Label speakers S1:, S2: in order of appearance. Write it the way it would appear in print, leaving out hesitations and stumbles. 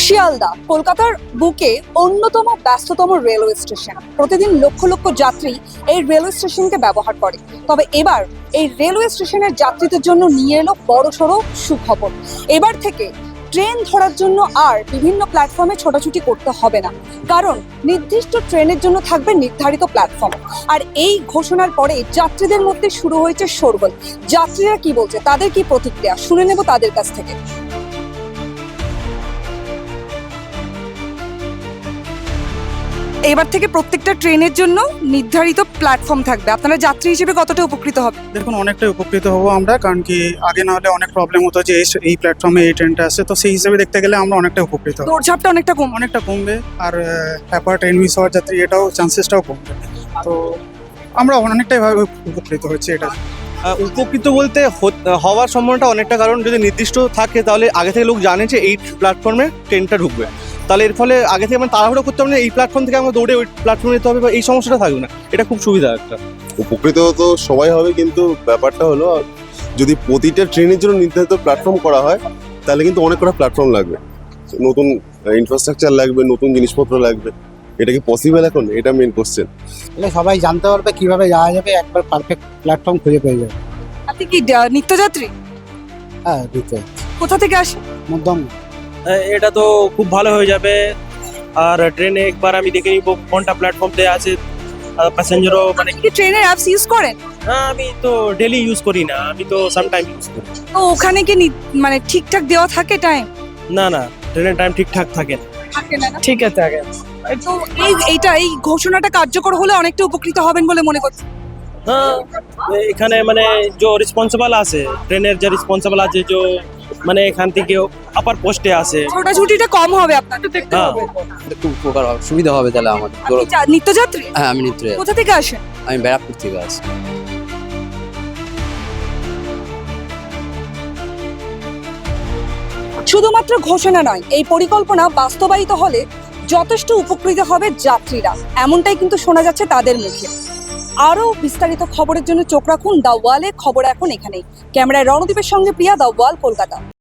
S1: শিয়ালদা কলকাতার বুকে অন্যতম ব্যস্ততম রেলওয়ে স্টেশন। প্রতিদিন লক্ষ লক্ষ যাত্রী এই রেলওয়ে স্টেশনকে ব্যবহার করে। তবে এবার এই রেলওয়ে স্টেশনের যাত্রীদের জন্য নিয়ে এলো বড়সড় সুখবর। এবার থেকে ট্রেন ধরার জন্য আর বিভিন্ন প্ল্যাটফর্মে ছোটাছুটি করতে হবে না, কারণ নির্দিষ্ট ট্রেনের জন্য থাকবে নির্ধারিত প্ল্যাটফর্ম। আর এই ঘোষণার পরে যাত্রীদের মধ্যে শুরু হয়েছে শোরগোল। যাত্রীরা কি বলছে, তাদের কি প্রতিক্রিয়া, শুনে নেব তাদের কাছ থেকে। এবার থেকে প্রত্যেকটা ট্রেনের জন্য নির্ধারিত প্ল্যাটফর্ম থাকবে। আপনারা যাত্রী হিসেবে কতটা উপকৃত হবে?
S2: দেখুন, অনেকটাই উপকৃত হব আমরা, কারণ কি আগে না হলে অনেক প্রবলেম হতো যে এই প্ল্যাটফর্মে এই ট্রেনটা আসে, তো সেই হিসেবে দেখতে গেলে আমরা অনেকটা উপকৃত হব।
S1: দৌড়ঝাপটা অনেকটা
S2: কমবে, আর ব্যাপার ট্রেন মিস হওয়ার যাত্রী এটাও চান্সেসটাও কমবে। তো আমরা অনেকটাই ভাবে উপকৃত হচ্ছে এটা।
S3: উপকৃত বলতে হওয়ার সম্ভাবনাটা অনেকটা, কারণ যদি নির্দিষ্ট থাকে তাহলে আগে থেকে লোক জানে যে এই প্ল্যাটফর্মে ট্রেনটা ঢুকবে, তাহলে এর ফলে আগে থেকে আমরা তাড়াহুড়ো করতে হবে না, এই প্ল্যাটফর্ম থেকে আমরা দৌড়ে ওই প্ল্যাটফর্মে যেতে হবে, বা এই সমস্যাটা থাকবে না। এটা খুব সুবিধা একটা।
S4: উপকৃত তো সবাই হবে, কিন্তু ব্যাপারটা হলো যদি প্রতিটা ট্রেনের জন্য নির্ধারিত প্ল্যাটফর্ম করা হয় তাহলে কিন্তু অনেক কটা প্ল্যাটফর্ম লাগবে, নতুন ইনফ্রাস্ট্রাকচার লাগবে, নতুন জিনিসপত্র লাগবে। এটা কি পসিবল এখন? এটা মেন কোশ্চেন।
S5: তাহলে সবাই জানতে পারবে কিভাবে যাওয়া যাবে, একবার পারফেক্ট প্ল্যাটফর্ম খুঁজে পেয়ে যাবে।
S1: আপনি কি নিত্যযাত্রী?
S5: হ্যাঁ, দিতে
S1: কোথা থেকে আসেন?
S5: মধ্যম।
S6: এটা তো খুব ভালো হয়ে যাবে। আর ট্রেনে একবার আমি দেখে নিব কোনটা প্ল্যাটফর্ম দেয়া আছে, প্যাসেঞ্জারও মানে।
S1: কি ট্রেনের অ্যাপস ইউজ করেন?
S6: হ্যাঁ, আমি তো ডেলি ইউজ করি না, আমি তো সামটাইম ইউজ করি।
S1: তো ওখানে কি মানে ঠিকঠাক দেওয়া থাকে টাইম?
S6: না, ট্রেনের টাইম ঠিকঠাক থাকে না।
S1: থাকে না?
S6: ঠিক আছে আগে
S1: তো এই ঘোষণাটা কার্যকর হলে অনেকটা উপকৃত হবেন বলে মনে করছি।
S6: হ্যাঁ, এখানে মানে যে রেসপন্সিবল আছে, ট্রেনের যে রেসপন্সিবল আছে, যে মানে এখান থেকে আপার পোস্টে আছে,
S1: ছোটাছুটিটা কম হবে, আপনার তো দেখতে
S6: হ্যাঁ।
S1: হবে।
S7: একটু উপকার হবে, সুবিধা হবে তাহলে আমাদের।
S1: আপনি নিত্যযাত্রী?
S7: হ্যাঁ, আমি নিত্য।
S1: কোথা থেকে আসেন?
S7: আমি ব্যারাকপুর থেকে আসি।
S1: শুধুমাত্র ঘোষণা নয়, এই পরিকল্পনা বাস্তবায়িত হলে যথেষ্ট উপকৃত হবে যাত্রীরা, এমনটাই কিন্তু শোনা যাচ্ছে তাদের মুখে। আরও বিস্তারিত খবরের জন্য চোখ রাখুন দ্য ওয়ালে। খবর এখন এখানেই। ক্যামেরায় রণদীপের সঙ্গে প্রিয়া, দ্য ওয়াল, কলকাতা।